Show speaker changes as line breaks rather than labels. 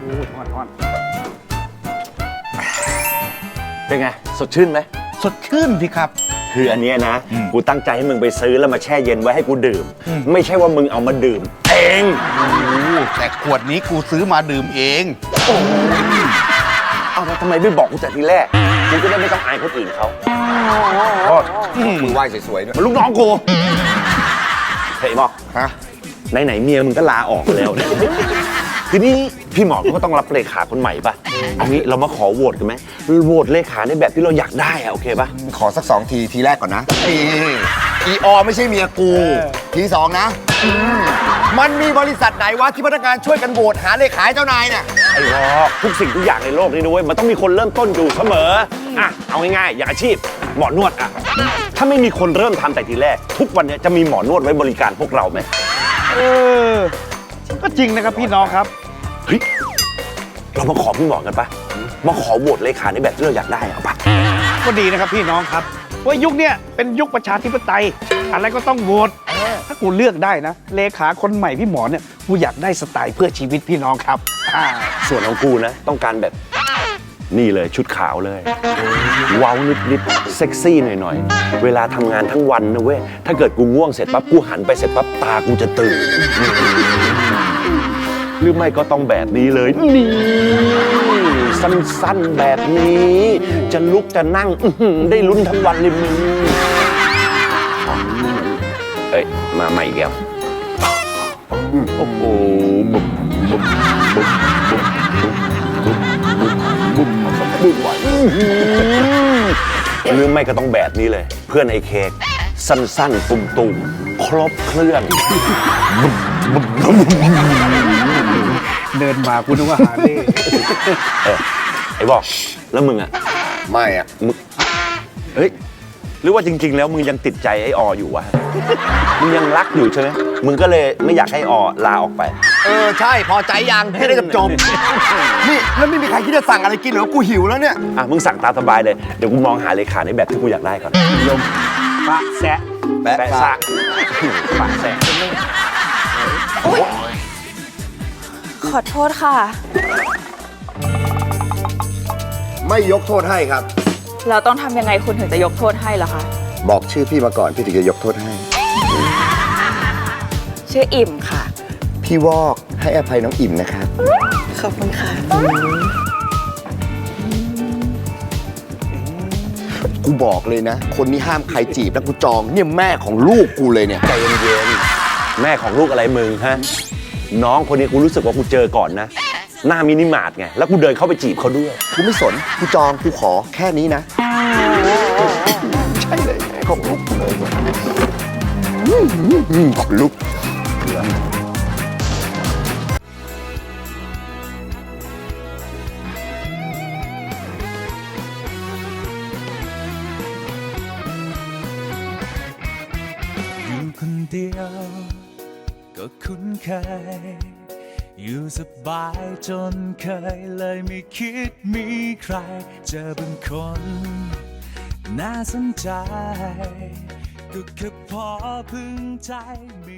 ฮ้อน
เป็นไงสดชื่นไหม
สดชื่นพี่ครับ
คืออันเนี้ยนะกูตั้งใจให้มึงไปซื้อแล้วมาแช่เย็นไว้ให้กูดื่มไม่ใช่ว่ามึงเอามาดื่มเอง
แต่ขวดนี้กูซื้อมาดื่มเอง
เอาแล้วทำไมไม่บอกกูแต่ทีแรกกูจะได้ไม่ต้องอายคนอื่นเขา
มึงไหว้สวยๆด้วย
มันลูกน้องกูเฮ้ยหมอก
ฮะ
ไหนเมียมึงก็ลาออกแล้วเนี่ยทีนี้พี่หมอกก็ต้องรับเลขาคนใหม่ป่ะเอางี้เรามาขอโหวตกันไหมโหวตเลขาในแบบที่เราอยากได้อะโอเคป่ะ
ขอสัก2 ทีแรกก่อนนะอีอไม่ใช่เมียกูที2นะมันมีบริษัทไหนวะที่พนักงานช่วยกันโหวตหาเลขาเจ้านายเนี่ย
ไอ้วอกทุกสิ่งทุกอย่างในโลกนี้ด้วยมันต้องมีคนเริ่มต้นอยู่เสมออ่ะเอาง่ายๆอย่างอาชีพหมอนวดอ่ะถ้าไม่มีคนเริ่มทำแต่ทีแรกทุกวันนี้จะมีหมอนวดไว้บริการพวกเราไหม
ก็จริงนะครับพี่น้องครับ
เฮ้ยเรามาขอพี่หมอกันปะมาขอโหวตเลขาในแบบที่เราอยากได้เอาปะ
ก็ดีนะครับพี่น้องครับว่ายุคเนี้ยเป็นยุคประชาธิปไตยอะไรก็ต้องโหวตถ้ากูเลือกได้นะเลขาคนใหม่พี่หมอเนี่ยกูอยากได้สไตล์เพื่อชีวิตพี่น้องครับ
ส่วนของกูนะต้องการแบบนี่เลยชุดขาวเลยเว้านิดๆเซ็กซี่หน่อยๆเวลาทำงานทั้งวันนะเว้ยถ้าเกิดกูง่วงเสร็จปั๊บกูหันไปเสร็จปั๊บตากูจะตื่นหรือไม่ก็ต้องแบบนี้เลยนี่สั้นๆแบบนี้จะลุกจะนั่งได้ลุ้นทั้งวันเลยมึงเอ้ยมาใหม่อีกแล้วโอ้โหบุบบุบบุบบุบบุบบุบไหวหรือไม่ก็ต้องแบบนี้เลยเพื่อนไอ้เค้กสั้นๆตุ่มๆครบเครื่อง
เดินมากูนึกว่าหาเล่
ไอ้บอกแล้วมึงอ่ะ
ไม่อ่ะ
มึงเฮ้ยหรือว่าจริงๆแล้วมึงยังติดใจไอ้ออยู่วะมึงยังรักอยู่ใช่ไหมมึงก็เลยไม่อยากให้อลาออกไป
ใช่พอใจยังให้ได้จบนี่แล้วไม่มีใครคิดจะสั่งอะไรกินหรอกูหิวแล้วเนี่ย
มึงสั่งตามสบายเลยเดี๋ยวกูมองหาเลขาในแบบที่กูอยากได้ก่อน
ยมปะแซะ
แปะซะปะแซะ
ขอโทษค่ะ
ไม่ยกโทษให้ครับ
เราต้องทำยังไงคุณถึงจะยกโทษให้ล่ะคะ
บอกชื่อพี่มาก่อนพี่ถึงจะยกโทษให้
ชื่ออิ่มค่ะ
พี่วอกให้อภัยน้องอิ่มนะครับ
ขอบคุณค่ะ
กูบอกเลยนะคนนี้ห้ามใครจีบแล้วกูจองเนี่ยแม่ของลูกกูเลยเนี่ย
ใจเย็นๆแม่ของลูกอะไรมึงฮะน้องคนนี้กูรู้สึกว่ากูเจอก่อนนะหน้ามินิมาร์ทไงแล้วกูเดินเข้าไปจีบเขาด้วย
กูไม่สนกูจองกูขอแค่นี้นะใช่เลยของลูกเลยของลูก
อยู่คนเดียวก็คุ้นเคยอยู่สบายจนเคยเลยไม่คิดมีใครเจอบางคนน่าสนใจก็แค่พอพึงใจ